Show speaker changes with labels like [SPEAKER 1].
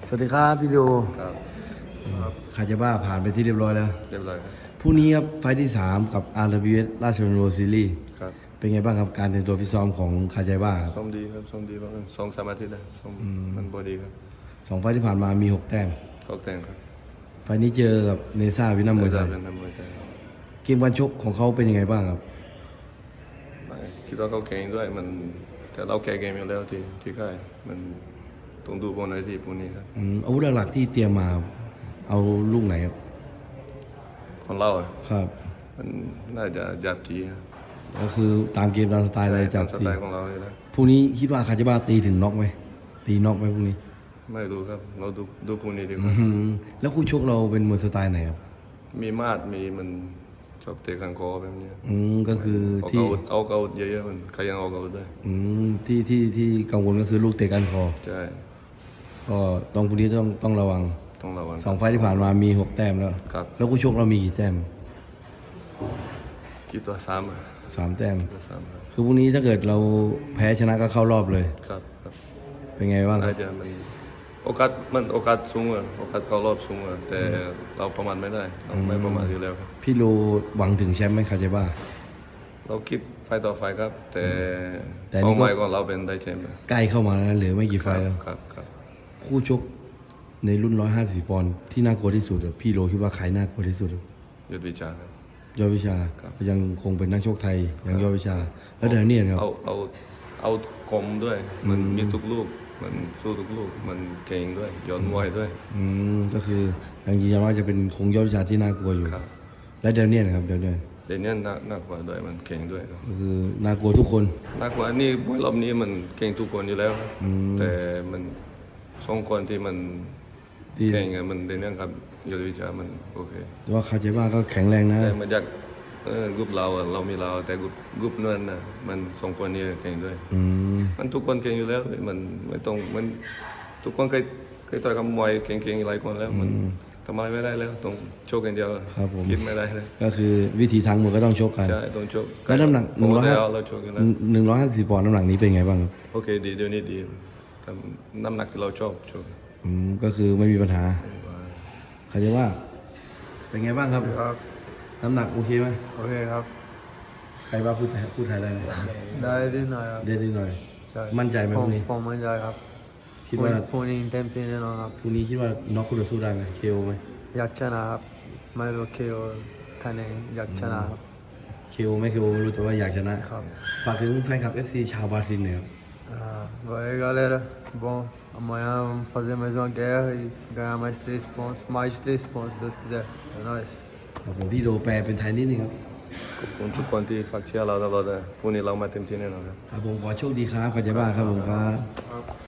[SPEAKER 1] สวัสดีครับพี่โด
[SPEAKER 2] ครับ
[SPEAKER 1] คาจาบ้าผ่านไปที่เรียบร้อยแล้ว
[SPEAKER 2] เรียบร้อยครับ
[SPEAKER 1] พรุ่งนี้ครับไฟล์ที่ 3 กับ RWS ราชดำเนินซีรีส์
[SPEAKER 2] ครับ
[SPEAKER 1] เป็นไงบ้างครับการเตรียมตัวฟิตซ้อมของคาจาบ้าครับ
[SPEAKER 2] ซ้อมดีครับซ้อมดีประมาณ2-3 อาทิตย์นะซ้อมมันบอดีครับ
[SPEAKER 1] 2 ไฟล์ที่ผ่านมามี 6 แต้ม
[SPEAKER 2] ก็แต่งครับ
[SPEAKER 1] ไฟล์นี้เจอกับเนซ่าวินัมมวยไทย
[SPEAKER 2] เป็นนักมวยไทย
[SPEAKER 1] เกมการชกของเขาเป็นยังไงบ้างครับ
[SPEAKER 2] ไม่คิดว่าเขาเก่งด้วยมันแต่เราแก่เกมอยู่แล้วที่ค่ายมันต้องดูบนไหนที่พวกนี้ครับ
[SPEAKER 1] อาวุธหลักๆที่เตรียมมาเอาลูกไหนครับ
[SPEAKER 2] ของเราอะ
[SPEAKER 1] ครับ
[SPEAKER 2] มันน่าจะจับทีครับ
[SPEAKER 1] ก็คือตามเกมตามสไตล์อะไรจับ
[SPEAKER 2] ส
[SPEAKER 1] ที
[SPEAKER 2] ไตล์ของเราเลยนะ
[SPEAKER 1] พรุ่งนี้คิดว่าคาจาบ้าตีถึงน็อกไหมตีน็อกไหมพรุ่งนี้
[SPEAKER 2] ไม่รู้ครับเราดูพวกนี้ดีก
[SPEAKER 1] อื
[SPEAKER 2] ว่า
[SPEAKER 1] มแล้วคู่ชกเราเป็นมวยสไตล์ไหนครับ
[SPEAKER 2] มีมาดมีมันชอบเตะข้างคอแบบนี้
[SPEAKER 1] ก็คือ
[SPEAKER 2] เอา
[SPEAKER 1] ที่
[SPEAKER 2] เกาเยอะๆมันใครยังเอาเกาได้
[SPEAKER 1] ที่กังวลก็คือลูกเตะก้านคอ
[SPEAKER 2] ใช่
[SPEAKER 1] ก็ต้องพรุ่งนี้ต้องระวัง
[SPEAKER 2] ต้องระวัง
[SPEAKER 1] 2 ไฟล์ที่ผ่านมามี 6 แต้มแล้ว
[SPEAKER 2] ครับ
[SPEAKER 1] แล้วคู่ชกเรามีกี่แต้ม
[SPEAKER 2] กี่ตัวซ้ำอะ
[SPEAKER 1] 3 แต้ม
[SPEAKER 2] ตัวซ้ำครับ
[SPEAKER 1] คือพรุ่งนี้ถ้าเกิดเราแพ้ชนะก็เข้ารอบเลย
[SPEAKER 2] ครับครับ
[SPEAKER 1] เป็นไงบ้างค
[SPEAKER 2] น่า
[SPEAKER 1] รับ
[SPEAKER 2] จะมันโอกาสสูงอะโอกาสเข้ารอบสูงอะแต่เราประมาทไม่ได้เราไม่ประมาทอยู่แล้วครับ
[SPEAKER 1] พี่โลหวังถึงแชมป์ไหมคาเจบ้า
[SPEAKER 2] เราคิดไฟต่อไฟครับ แต่
[SPEAKER 1] แต่นี่ก็
[SPEAKER 2] เป้าหมายของเราเป็นได้แชมป์
[SPEAKER 1] ใกล้เข้ามาแล้วนะเหลือไม่กี่ไฟล์แล้ว
[SPEAKER 2] ครับครับ
[SPEAKER 1] คู่ชกในรุ่น150ปอนด์ที่น่ากลัวที่สุดอะพี่โลคิดว่าใครน่ากลัวที่สุดอะ
[SPEAKER 2] ยุทธวิชาครับ
[SPEAKER 1] ยอดวิชา
[SPEAKER 2] ครับ
[SPEAKER 1] ยังคงเป็นนักชกไทยยังยอดวิชา แล้วเดนเนียนครับ
[SPEAKER 2] เอาคมด้วย มันมีทุกลูกมันสู้ทุกลูกมันเก่งด้วยย้อนมวยด้วย
[SPEAKER 1] ก็คือยังยืนยันว่าจะเป็นคงยอดวิชาที่น่ากลัวอยู่
[SPEAKER 2] ครับ
[SPEAKER 1] และเดนเนียนครับเดนเนียน
[SPEAKER 2] เดนเนียนน่ากว่าด้วยมันเก่งด้วยครับ
[SPEAKER 1] ก็คือน่ากลัวทุกคน
[SPEAKER 2] น่ากว่านี่มวยรอบนี้มันเก่งทุกคนอยู่แล้วครับ แต่มันสองคนที่มัน
[SPEAKER 1] ที่
[SPEAKER 2] เก่งอะมันในเรื่องครับยุทธวิชามันโอเค
[SPEAKER 1] แต่ว่าคาเจบ้าก็แข็งแรงนะ
[SPEAKER 2] แต่มันจากกรุ๊ปเราอะเรามีเราแต่กรุ๊ปนั้นนะมันสองคนนี้เก่งด้วย
[SPEAKER 1] อืม
[SPEAKER 2] มันทุกคนเก่งอยู่แล้วมันไม่ต้องมันทุกคนเคยต่อยกับมวยเก่งๆหลายคนแล้วมันทำอะไรไม่ได้แล้วต้องโชคกันเดียว
[SPEAKER 1] ครับผม
[SPEAKER 2] คิดไม่ได้เลย
[SPEAKER 1] ก็คือวิธีทางมวยก็ต้องชกกัน
[SPEAKER 2] ใช่ต้องโชค
[SPEAKER 1] แล้วน้ำหนัก
[SPEAKER 2] ปกติเราโชคกันแล้ว
[SPEAKER 1] 150ปอนด์น้ำหนักนี้เป็นไงบ้างครับ
[SPEAKER 2] โอเคดีเดี๋ยวนี้ดีแต่น้ำหนักที่เราชอบโชค
[SPEAKER 1] ก็คือไม่มีปัญหาคาเจบ้าเป็นไงบ้างครับ
[SPEAKER 3] ครับ
[SPEAKER 1] น้ำหนักโอเคไหม
[SPEAKER 3] โอเคครับ
[SPEAKER 1] ใครบ้าพูดไทยได้ไหม
[SPEAKER 3] ได้นิดหน่อยครับ
[SPEAKER 1] ได้หน่อย
[SPEAKER 3] ใช่
[SPEAKER 1] มั่นใจไหมพรุ่งนี้
[SPEAKER 3] ผมมั่นใจครับ
[SPEAKER 1] คิดว่า
[SPEAKER 3] พรุ่งนี้เต็มที่แน่นอนครับ
[SPEAKER 1] พรุ่งนี้คิดว่าน็อกคู่ต่อสู้ได้ไหมเคโอไหม
[SPEAKER 3] อยากชนะครับไม่รู้เคียวคะแนนอยากชนะครับ
[SPEAKER 1] เคโอไม่เคโอไม่รู้แต่ว่าอยากชนะครับ ฝากถึงแฟนคลับ FC ชาวบราซิลหน่อยครับ
[SPEAKER 3] Vai galera, bom, amanhã vamos fazer mais uma guerra e ganhar mais 3 pontos, mais de 3 pontos, se Deus quiser. É nóis.
[SPEAKER 1] ครับผมพี่โดแปลเป็นไทยนิดนึงครับ
[SPEAKER 2] ขอบคุณทุกคนที่ฝากเชียร์เราตลอดนะพรุ่งนี้เรามาเต็มที่แน่นอนครับ
[SPEAKER 1] ครับผมขอโชคดีครับขอใจบ้าครับผมครับ